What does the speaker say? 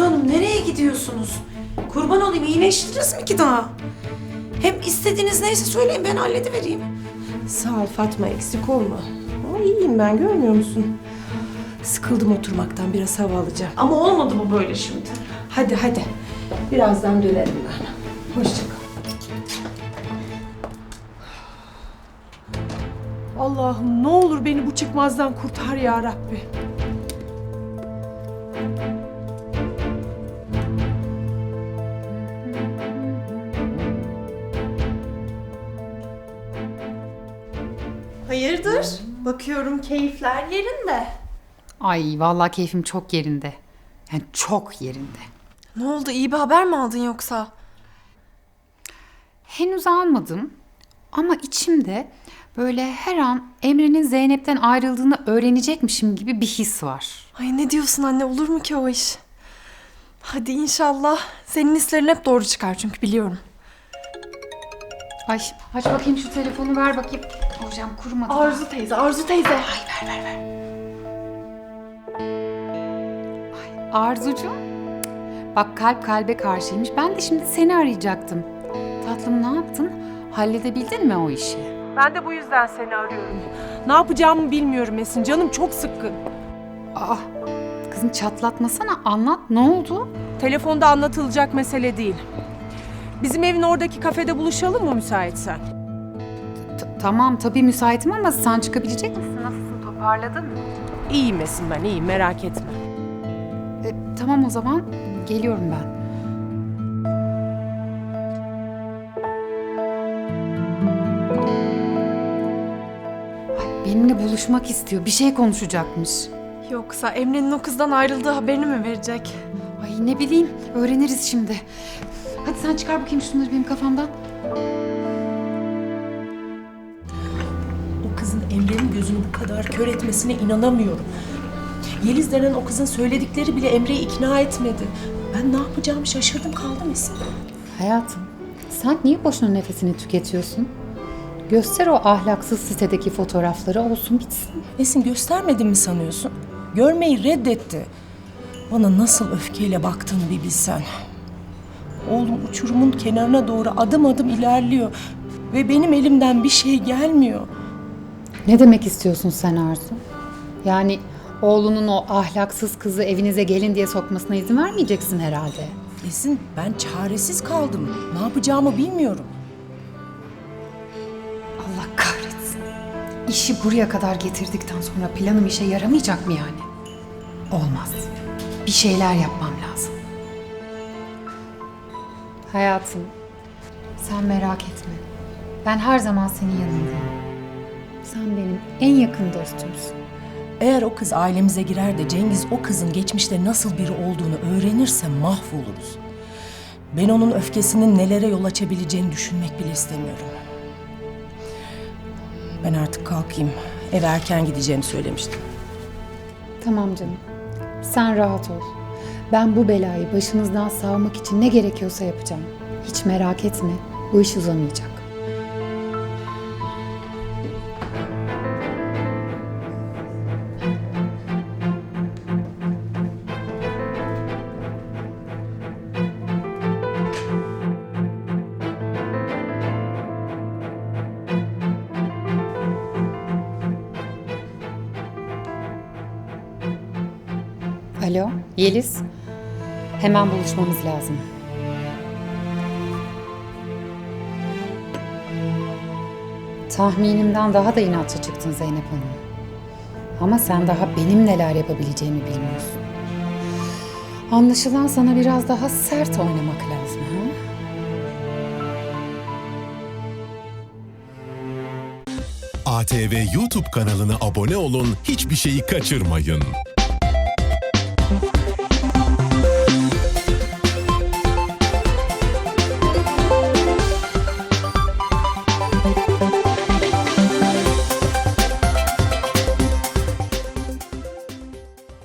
Arzu Hanım nereye gidiyorsunuz? Kurban olayım, iyileştiniz mi ki daha? Hem istediğiniz neyse söyleyin, ben halledivereyim. Sağ ol Fatma, eksik olma. Ama iyiyim ben, görmüyor musun? Sıkıldım oturmaktan, biraz hava alacağım. Ama olmadı mı böyle şimdi? Hadi hadi. Birazdan dönerim ben. Hoşça kal. Allah'ım ne olur beni bu çıkmazdan kurtar ya Rabbi. Hayırdır? Bakıyorum keyifler yerinde. Ay vallahi keyfim çok yerinde. Yani çok yerinde. Ne oldu? İyi bir haber mi aldın yoksa? Henüz almadım ama içimde böyle her an Emre'nin Zeynep'ten ayrıldığını öğrenecekmişim gibi bir his var. Ay ne diyorsun anne? Olur mu ki o iş? Hadi inşallah. Senin hislerin hep doğru çıkar çünkü biliyorum. Ay aç bakayım şu telefonu, ver bakayım. Hocam kurumadı. Arzu teyze, Arzu teyze. Arzucuğum. Bak kalp kalbe karşıymış. Ben de şimdi seni arayacaktım. Tatlım ne yaptın? Halledebildin mi o işi? Ben de bu yüzden seni arıyorum. Ne yapacağımı bilmiyorum Esin. Canım çok sıkkın. Aa, kızım çatlatmasana, anlat, ne oldu? Telefonda anlatılacak mesele değil. Bizim evin oradaki kafede buluşalım mı müsaitsen? Tamam tabii müsaitim ama sen çıkabilecek misin? Nasılsın, toparladın mı? İyiyim Esin, ben iyiyim, merak etme. Tamam o zaman geliyorum ben. Ay, benimle buluşmak istiyor. Bir şey konuşacakmış. Yoksa Emre'nin o kızdan ayrıldığı haberini mi verecek? Ay ne bileyim, öğreniriz şimdi. Hadi sen çıkar bakayım şunları benim kafamdan. O kızın Emre'nin gözünü bu kadar kör etmesine inanamıyorum. Yeliz denen o kızın söyledikleri bile Emre'yi ikna etmedi. Ben ne yapacağımı şaşırdım kaldım Esin. Hayatım, sen niye boşuna nefesini tüketiyorsun? Göster o ahlaksız sitedeki fotoğrafları, olsun bitsin. Esin göstermedin mi sanıyorsun? Görmeyi reddetti. Bana nasıl öfkeyle baktığını bir bilsen. Oğlum uçurumun kenarına doğru adım adım ilerliyor. Ve benim elimden bir şey gelmiyor. Ne demek istiyorsun sen Arzu? Yani oğlunun o ahlaksız kızı evinize gelin diye sokmasına izin vermeyeceksin herhalde. Esin ben çaresiz kaldım. Ne yapacağımı bilmiyorum. Allah kahretsin. İşi buraya kadar getirdikten sonra planım işe yaramayacak mı yani? Olmaz. Bir şeyler yapmam lazım. Hayatım, sen merak etme. Ben her zaman senin yanındayım. Sen benim en yakın dostumsun. Eğer o kız ailemize girer de Cengiz o kızın geçmişte nasıl biri olduğunu öğrenirse mahvoluruz. Ben onun öfkesinin nelere yol açabileceğini düşünmek bile istemiyorum. Ben artık kalkayım. Eve erken gideceğimi söylemiştim. Tamam canım. Sen rahat ol. Ben bu belayı başınızdan savmak için ne gerekiyorsa yapacağım. Hiç merak etme. Bu iş uzamayacak. Alo, Yeliz. Hemen buluşmamız lazım. Tahminimden daha da inatçı çıktın Zeynep Hanım. Ama sen daha benim neler yapabileceğimi bilmiyorsun. Anlaşılan sana biraz daha sert oynamak lazım, ha? ATV YouTube kanalına abone olun, hiçbir şeyi kaçırmayın.